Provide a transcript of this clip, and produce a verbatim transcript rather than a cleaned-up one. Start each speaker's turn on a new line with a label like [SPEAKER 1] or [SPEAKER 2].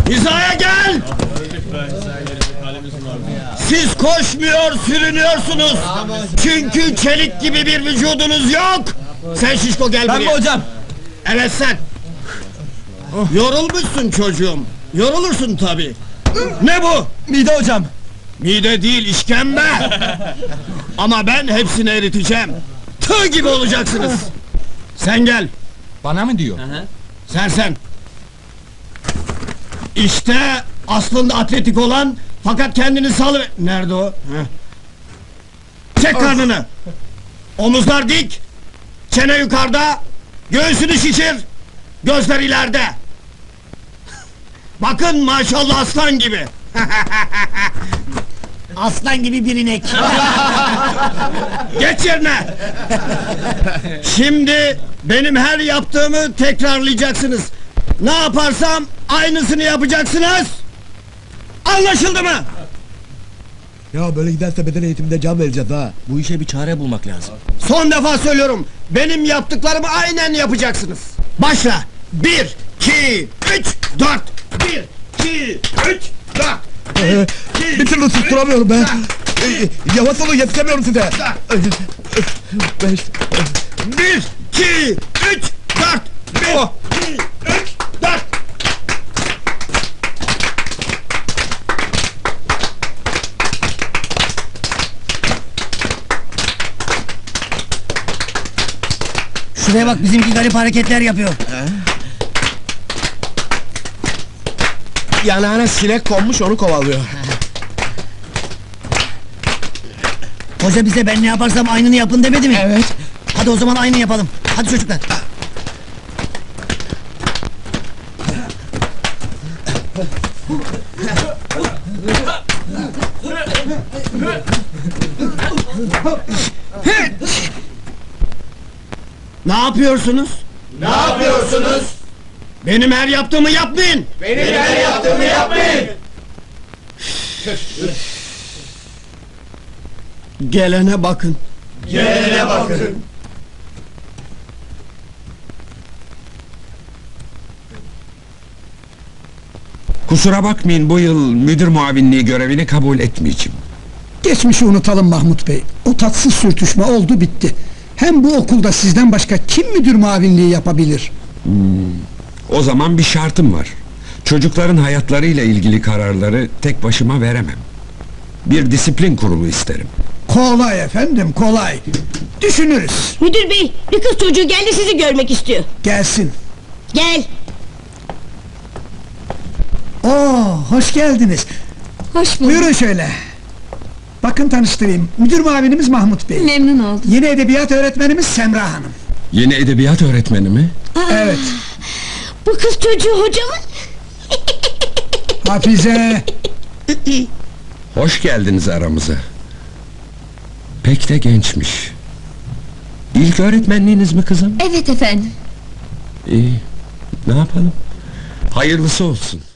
[SPEAKER 1] Hizaya gel! Siz koşmuyor, sürünüyorsunuz! Çünkü çelik gibi bir vücudunuz yok! Sen şişko gel buraya!
[SPEAKER 2] Ben mi hocam?
[SPEAKER 1] Evet sen! Yorulmuşsun çocuğum! Yorulursun tabi! Ne bu?
[SPEAKER 2] Mide hocam!
[SPEAKER 1] Mide değil, işkembe! Ama ben hepsini eriteceğim! Tığ gibi olacaksınız! Sen gel!
[SPEAKER 2] Bana mı diyor?
[SPEAKER 1] Sen sen! İşte aslında atletik olan, fakat kendini salı... Nerede o? Heh. Çek karnını! Omuzlar dik! Çene yukarıda! Göğsünü şişir! Gözler ileride! Bakın maşallah aslan gibi!
[SPEAKER 3] Aslan gibi bir inek.
[SPEAKER 1] Geç yerine! Şimdi benim her yaptığımı tekrarlayacaksınız. Ne yaparsam aynısını yapacaksınız. Anlaşıldı mı?
[SPEAKER 4] Ya böyle giderse beden eğitiminde can vereceğiz ha.
[SPEAKER 3] Bu işe bir çare bulmak lazım.
[SPEAKER 1] Son defa söylüyorum. Benim yaptıklarımı aynen yapacaksınız. Başla. Bir, iki, üç, dört. Bir, iki, üç, dört.
[SPEAKER 4] Ee, bir türlü susturamıyorum ben. Ee, yavaş olun, yetişemiyorum size. Ee, Beş.
[SPEAKER 1] Bir, iki, üç, dört. Bir,
[SPEAKER 4] Oh.
[SPEAKER 1] iki, üç, dört.
[SPEAKER 3] Şuraya bak, bizimki garip hareketler yapıyor.
[SPEAKER 4] Yanağına sinek konmuş, onu kovalıyor.
[SPEAKER 3] Hoca bize ben ne yaparsam aynını yapın demedi mi?
[SPEAKER 4] Evet.
[SPEAKER 3] Hadi o zaman aynı yapalım. Hadi çocuklar.
[SPEAKER 1] Ne yapıyorsunuz?
[SPEAKER 5] Ne yapıyorsunuz?
[SPEAKER 1] Benim her yaptığımı yapmayın.
[SPEAKER 5] Benim her yaptığımı yapmayın.
[SPEAKER 1] Gelene bakın.
[SPEAKER 5] Gelene bakın.
[SPEAKER 6] Kusura bakmayın, bu yıl müdür muavinliği görevini kabul etmeyeceğim.
[SPEAKER 7] Geçmişi unutalım Mahmut Bey. O tatsız sürtüşme oldu bitti. Hem bu okulda sizden başka kim müdür muavinliği yapabilir?
[SPEAKER 6] O zaman bir şartım var. Çocukların hayatlarıyla ilgili kararları tek başıma veremem. Bir disiplin kurulu isterim.
[SPEAKER 7] Kolay efendim, kolay. Düşünürüz.
[SPEAKER 8] Müdür bey, bir kız çocuğu geldi, sizi görmek istiyor.
[SPEAKER 7] Gelsin.
[SPEAKER 8] Gel.
[SPEAKER 7] Oo, hoş geldiniz.
[SPEAKER 8] Hoş bulduk.
[SPEAKER 7] Buyurun şöyle. Bakın tanıştırayım. Müdür muavinimiz Mahmut Bey.
[SPEAKER 8] Memnun oldum.
[SPEAKER 7] Yeni edebiyat öğretmenimiz Semra Hanım.
[SPEAKER 6] Yeni edebiyat öğretmeni mi?
[SPEAKER 7] Evet.
[SPEAKER 8] Bu kız çocuğu hocamın.
[SPEAKER 7] Hafize.
[SPEAKER 6] Hoş geldiniz aramıza. Pek de gençmiş. İlk öğretmenliğiniz mi kızım?
[SPEAKER 8] Evet efendim.
[SPEAKER 6] İyi. Ne yapalım? Hayırlısı olsun.